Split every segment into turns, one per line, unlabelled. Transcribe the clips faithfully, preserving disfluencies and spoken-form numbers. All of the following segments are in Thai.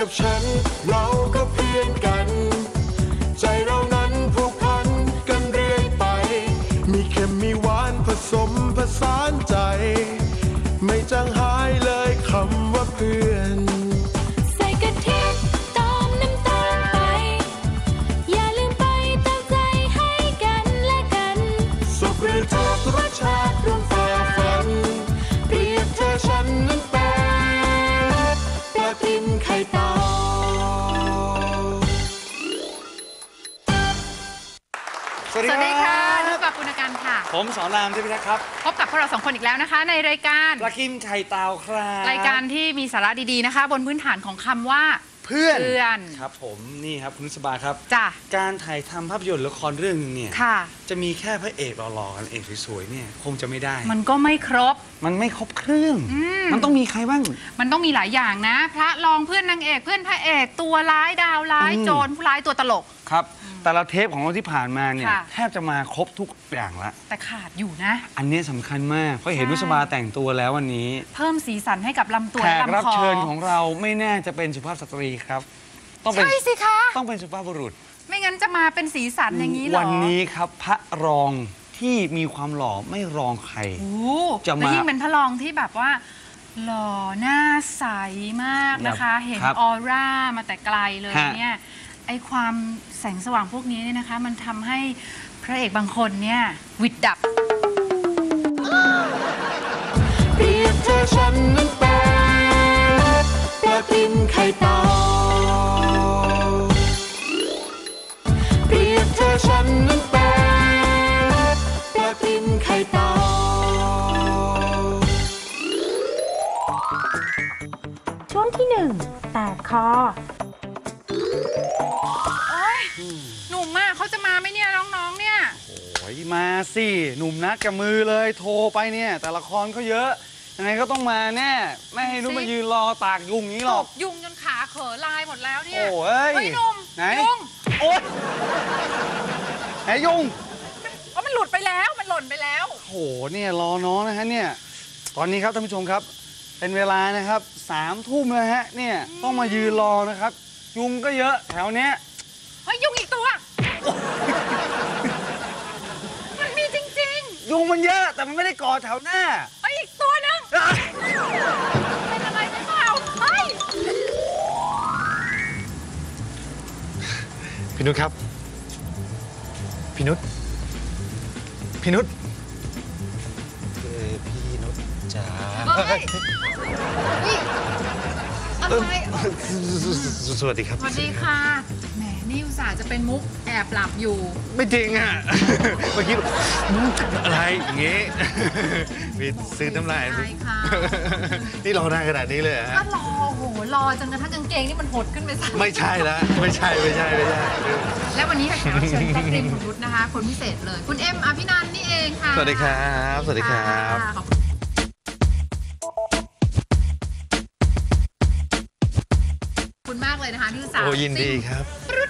กับฉันเราก็เพื่อนกันใจเรานั้นผูกพันกันเรื่อยไปมีเค็มมีหวานผสมผสานใจไม่จางหายเลยคำว่าเพื่อน
ใส่กะทิตามน้ำตาลไปอย่าลืมไปตามใจให้กันและกัน
สุขหรือทุกข์รสชาติร่วมฝ่าฟันเปรียบเธอฉันนั้นเป็นปลาทิมไข่เต่า
สวัสดีค่ะนุกกับปุณกันค่ะ
ผมสอนรามเทพิทักษ์ครับ
พบกับพวกเราสองคนอีกแล้วนะคะในรายการ
ปลากิมไข่เต่าครับ
รายการที่มีสาระดีๆนะคะบนพื้นฐานของคำว่า
เพื่อน
เพื่อน
ครับผมนี่ครับคุณนุสบาครับ
จ้ะ
การถ่ายทำภาพยนตร์ละครเรื่องนึงเนี่ย
ค่ะ
จะมีแค่พระเอกหล่อๆกันเอกสวยๆเนี่ยคงจะไม่ได้
มันก็ไม่ครบ
มันไม่ครบเครื่อง
ม
มันต้องมีใครบ้าง
มันต้องมีหลายอย่างนะพระรองเพื่อนนางเอกเพื่อนพระเอกตัวร้ายดาวร้ายโจรผู้ร้ายตัวตลก
ครับแต่ละเทปของเราที่ผ่านมาเนี่ย
ค่ะ
แทบจะมาครบทุกอย่างละ
แต่ขาดอยู่นะ
อันนี้สำคัญมากเพราะเห็นนุสบาแต่งตัวแล้ววันนี้
เพิ่มสีสันให้กับลำตัว
แข
และ
ก
ลำคอ
รับเชิญของเราไม่แน่จะเป็นสุภาพสตรีครับต้องเป็น
ใช่สิคะ
ต้องเป็นสุภาพบุรุษ
ไม่งั้นจะมาเป็นสีสันอย่างนี้หรอ
วันนี้ครับพระรองที่มีความหล่อไม่รองใคร
จะมาและยิ่งเป็นพระรองที่แบบว่าหล่อหน้าใสมากนะคะเห็นออร่ามาแต่ไกลเลยเนี่ยไอความแสงสว่างพวกนี้เนี่ยนะคะมันทำให้พระเอกบางคนเนี่ยวิดดับ
เปรียบเธอฉันนั้นเป็นปลาทิมไข่เต่าเปรียบเธอฉันนั้นเป็นปลาทิมไข่เต่า
ช่วงที่หนึ่งแตกคอ
หนุ่มมากเขาจะมาไหมเนี่ยน้องๆเนี่ย
โอ้ยมาสิหนุ่มนักกับมือเลยโทรไปเนี่ยแต่ละครก็เยอะยังไงก็ต้องมาแน่ไม่ให้นุ่มมายืนรอตากยุงนี้หรอก
ยุงจนขาเขอลายหมดแล้วเนี่ย
โอ้ย
เฮ้ยหนุ่ม
ไหน
ยุง
โอ๊ยไหนยุง
อ๋อมันหลุดไปแล้วมันหล่นไปแล้ว
โหเนี่ยรอน้องนะฮะเนี่ยตอนนี้ครับท่านผู้ชมครับเป็นเวลานะครับสามทุ่มแล้วฮะเนี่ยต้องมายืนรอนะครับยุงก็เยอะแถวเนี้ย
เฮ้ยยุงอีกตัวมันมีจริง
ๆยุงมันเยอะแต่มันไม่ได้ก่อแถวหน้า
เฮ้ยอีกตัวนึงเป็นอะไรไม่เปล่าเฮ้ย
พี่นุชครับพี่นุชพี่นุชเออพี่นุชจ๋า
เฮ้ยอะไร
สวัสดีครับ
สวัสดีค่ะแหมนี่อุตส่าห์จะเป็นมุกแอบหลับอยู่
ไม่จริงอ่ะเมื่อกี้อะไรอย่างงี้มีซื้อน้ำลายนี่รอนานขนาดนี้เลยฮะ
ก็รอโหรอจนกระทั่งกางเกงนี่มันหดขึ้นไปซะ
ไม่ใช่ละไม่ใช่ไม่ใช่ไม่ใช่
และวันนี้แขกรับเชิญแจ็คริมของนุชนะคะคนพิเศษเลยคุณเอ็มอภินันท์นี่เองค่ะ
สวัสดีครับสวัสดีครับ
คุณมากเลยนะคะที่อุตส่าห์
โอ้ยินดีครับ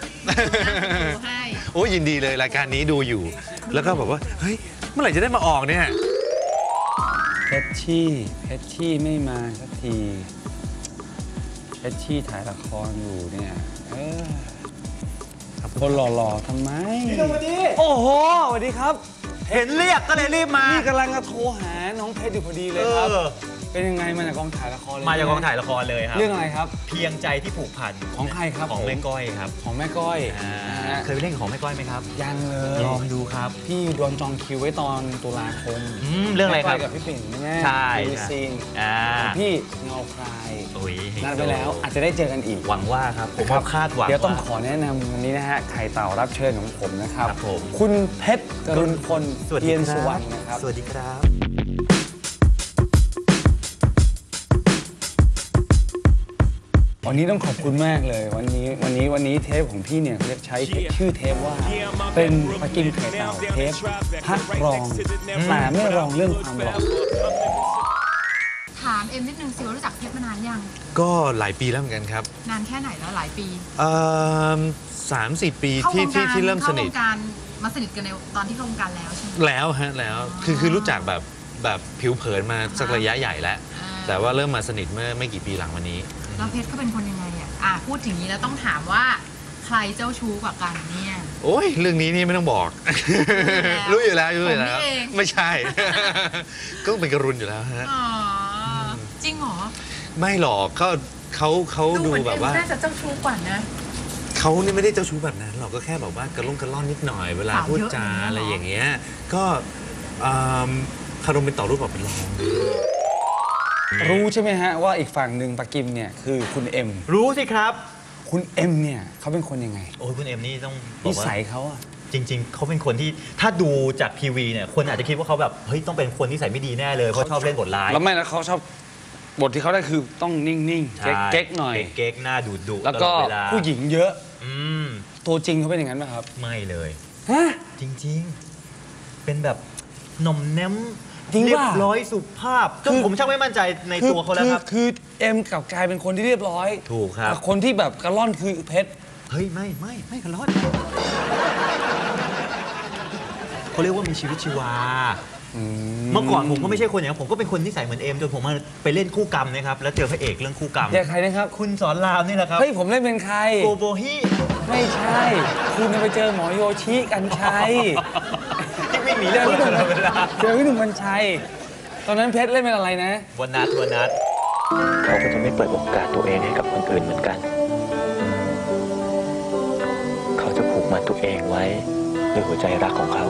โอ้ยินดีเลยรายการนี้ดูอยู่แล้วก็บอกว่าเฮ้ยเมื่อไหร่จะได้มาออกเนี่ย
เพชรชี่เพชรชี่ไม่มาสักทีเพชรชี่ถ่ายละครอยู่เนี่ยเออคนหล่อๆทำไม
พี่สวัสดี
โอ้โหสวัสดีครับ
เห็นเรียกก็เลยรีบมา
นี่กำลังจะโทรหาน้องเพชรอยู่พอดีเลยครับเป็นยังไงมาจากกองถ่ายละครเลย
มาจากกองถ่ายละครเลยครับ
เรื่องอะไรครับ
เพียงใจที่ผูกพัน
ของใครครับ
ของแม่ก้อยครับ
ของแม่ก้อย
เคยไปเล่นของแม่ก้อยไหมครับ
ยังเลย
ลองดูครับ
พี่โดนจองคิวไว้ตอนตุลาคม
เรื่องอะไรครับ
กับพี่ปิ่นแน่
ใช่
ซีนพี่เงาคลายนัดไปแล้วอาจจะได้เจอกันอีก
หวังว่าครับผมคาดหวัง
เดี๋ยวต้องขอแนะนำวันนี้นะฮะไข่เต่ารับเชิญของผมนะครับคุณเพชรกรุณพลเทียนสุวรรณนะครับ
สวัสดีครับ
วันนี้ต้องขอบคุณมากเลยวันนี้วันนี้วันนี้เทปของพี่เนี่ยเขาจะใช้ชื่อเทปว่าเป็นปากิมไข่เต่าเทปพระรองแต่ไม่รองเรื่องความหล่อ
ถามเอ็มนิดนึงสิว่ารู้จักเพชรมานานยัง
ก็หลายปีแล้วเหมือนกันครับ
นานแค่ไหนแล้วหลายปี
เอ่อสามสี่ปีที่ที่ที่เริ่มสนิท
เข้าวงการมาสนิทกันในตอนที่เข้าวงการแล้วใช่ไหม
แล้วฮะแล้วคือคือรู้จักแบบแบบผิวเผินมาสักระยะใหญ่แล้วแต่ว่าเริ่มมาสนิทเมื่อไม่กี่ปีหลังวันนี้
แล้วเพชรเขาเป็นคนยังไงอ่ะ
อ่ะพูดถึงนี้แล้วต้องถามว่าใครเจ้าชู้กว่ากันเนี่ย
โอ้ยเรื่องนี้นี่ไม่ต้องบอก รู้อยู่แล้วรู้อยู่แล้ว
ผมนี่เอง
ไม่ใช่ ก็เป็นกระรุนอยู่แล้วฮะ
อ๋อจริงเหรอ
ไม่หรอกก็เขาเขา
ดู
ดู
เหมือน
แบ
เอ็
บ
ม
ว่า
น่าจะเจ้าชู้กว่านะ
เขานี่ไม่ได้เจ้าชู้แบบนั้นหรอกก็แค่แบบว่ากระล่องกระล่อนนิดหน่อยเวลา
สาว
พูด
เยอะ
จา
อย่างเงี้ยเหรออ
อะไรอย่างเงี้ยก็อืมคารมเป็นต่อรูปแบบเป็นรอง
รู้ใช่ไหมฮะว่าอีกฝั่งหนึ่งปากิมเนี่ยคือคุณเอ็ม
รู้สิครับ
คุณเอ็มเนี่ยเขาเป็นคนยังไง
โอ้ยคุณเอ็มนี่ต้องบ
นิ
อกว่า
สัยเขาอะ
จริง ๆ เขาเป็นคนที่ถ้าดูจากทีวีเนี่ยคนอาจจะคิดว่าเขาแบบเฮ้ยต้องเป็นคนที่ใส่ไม่ดีแน่เลยเพราะชอบเล่นบทร้าย
แล้วไม่แล้วเขาชอบบทที่เขาได้คือต้องนิ่งๆ
ใช่
เก๊กๆหน่อย
เก๊กๆหน้าดุดุ
แล้วก็
ตลอดเวลา
ผู้หญิงเยอะ
อืม
ตัวจริงเขาเป็นอย่างนั้นไหมครับ
ไม่เลย
ฮะ
จริง ๆ เป็นแบบหน่อมแนม
จริง
เรีย
ป่ะ
บร้อยสุภาพจน
คือ
ผมช่างไม่มั่นใจใน
คือ
ตัวเขาแล้วครับ
อคือเอ็มกลับกลายเป็นคนที่เรียบร้อย
ถูกครับ
แต่คนที่แบบกระล่อนคือเพชร
เฮ้ย ไม่ไม่ไม่กันรอดเขาเรียกว่ามีชีวิตชีวา เมื่อก่อนผมก็ไม่ใช่คนอย่างนั้นผมก็เป็นคนที่ใส่เหมือนเอมจนผมมาไปเล่นคู่กรรมนะครับแล้วเจอพระเอกเรื่องคู่กรรม
เรียกใครนะครับ
คุณสอนรามนี่แหละครับ
เฮ้ยผมเล่นเป็นใคร
โกโบฮิ
ไม่ใช่ คุณไปเจอหมอโยชิกันชัย
ที่วิ่งหนีเรื่องตลอดเวลา
เจอพี่หนุ่มกัญชัย ตอนนั้นเพชรเล่นเป็นอะไรนะ
วันนัดวันนัด
เขาก็จะไม่เปิดโอกาสตัวเองให้กับคนอื่นเหมือนกัน เขาจะผูกมัดตัวเองไว้ด้วยหัวใจรักของเขา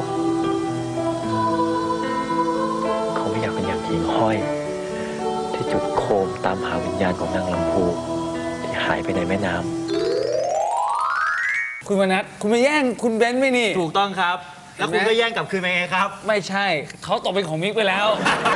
เขาไม่อยากเป็นอย่างหญิงห้อย ที่จุดโคมตามหาวิญญาณของนางลำพูที่หายไปในแม่น้ำ
คุณวนัทคุณมาแย่งคุณเบนซ์ไหมนี่
ถูกต้องครับ แล้วคุณ
เห็นไหม
ก็แย่งกลับคืนมาไงครับ
ไม่ใช่ เขาตกเป็นของมิกไปแล้ว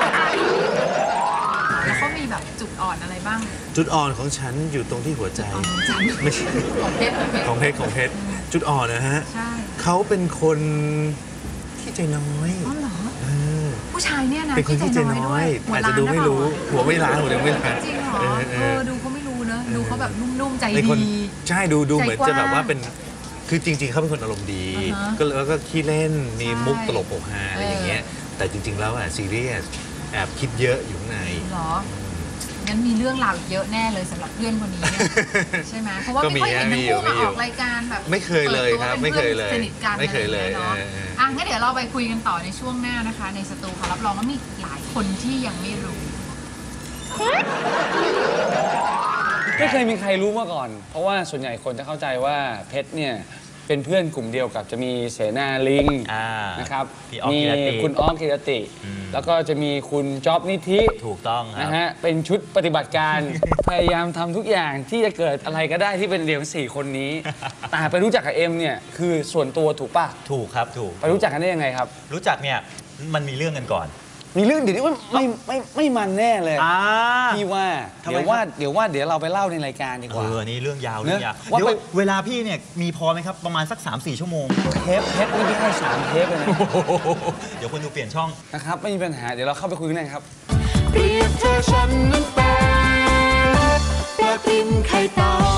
แล้วเขามีแบบจุดอ่อนอะไรบ้าง
จุดอ่อนของฉันอยู่ตรงที่หัวใจ
อ่อนของฉัน
ไม่ใช่
ของเพชรของเพชร
ของเพชรของเพชรจุดอ่อนนะฮะ
ใช่
เขาเป็นคนที่ใจน้อย
อ๋อเหรอ
เออ
ผู้ชายเนี่ยนะ
เป็นคนที่ใจน้อย
หัว
อาจ
ล้า
จะ
น
ดู
นะ
ไม่
เปล่า
รู้หัวไม่ล้านหัวยังไม่ล้าน
จริงเหรอ
เออเอ
เอ
อ
อดูเขาไม่รู้เนอะดูเขาแบบนุ่มๆใจ
เป็นคน
ดี
ใช่ดูดู
ใจ
เหมือน
กว้าง
จะแบบว่าเป็นคือจริง ๆ เขาเป็นคนอารมณ์ดี
อ่าฮะ
ก็แล้วก็ขี้เล่นมี
ใช่
มุกตลกโปกฮาอะไรอย่างเงี้ยแต่จริง ๆ แล้วอ่ะซีเรียสแอบคิดเยอะอยู่ข้างใน
เหรอ งั้นมีเรื่องราวอีกเยอะแน่เลยสำหรับเพื่อนคนนี้เนี่ยใช่ไหมเพราะว่า
ก็
ไม่
มี
ค่อยเห็น
มี
ทั้ง
อยู่มีอยู่
คู่มาออกรายการแบบ
ไม่เคยเลยครับ
ปิดตัว
ไม่เคยเลย
ป็นพื่อนสนิทกัน
ไม่เคยเลย
อะไรอางงี้
เออเออ
เนาะอ่ะงั้นเดี๋ยวเราไปคุยกันต่อในช่วงหน้านะคะ ในสตูค่ะรับรองว่ามีหลายคนที่ยังไม่รู้
ไม่เคยมีใครรู้มาก่อน เพราะว่าส่วนใหญ่คนจะเข้าใจว่าเพชรเนี่ยเป็นเพื่อนกลุ่มเดียวกับจะมีเสนาลิง
อ่า
นะครับ
พี่อ๊อฟ
มี
กิรติ
คุณอ้อมกิรติ
อืม
แล้วก็จะมีคุณจ๊อบนิธิ
ถูกต้องครั
นะ
บ
ฮะเป็นชุดปฏิบัติการ พยายามทำทุกอย่างที่จะเกิดอะไรก็ได้ที่เป็นเดียวสี่คนนี้ แต่ไปรู้จักกับเอ็มเนี่ยคือส่วนตัวถูกปะ
ถูกครับถูก
ไปรู้จักกันได้ยังไงครับ
รู้จักเนี่ยมันมีเรื่องกันก่อน
มีเรื่องเดี๋ยวนี้ว่าไม่ไม่ไม่มันแน่เลย
อ่า
พี่ว่า
ทำไม
เดี๋ยวว่าเดี๋ยวว่าเดี๋ยวเราไปเล่าในรายการดีก
เอ
ว่า
อนี่เรื่องยาวเรื่องยาว
ว่า
เดี๋ยว
ไป
เวลาพี่เนี่ยมีพอไหมครับประมาณสัก สามสี่ ชั่วโมง
เทปเทปนี่พี่ให้สามเทปเลยนะ
เดี๋ยวคนดูเปลี่ยนช่อง
นะครับไม่มีปัญหาเดี๋ยวเราเข้าไปคุยกันเลยครับ
เปรียบเธอฉันนั้นเป็นปลากินไข่เต่า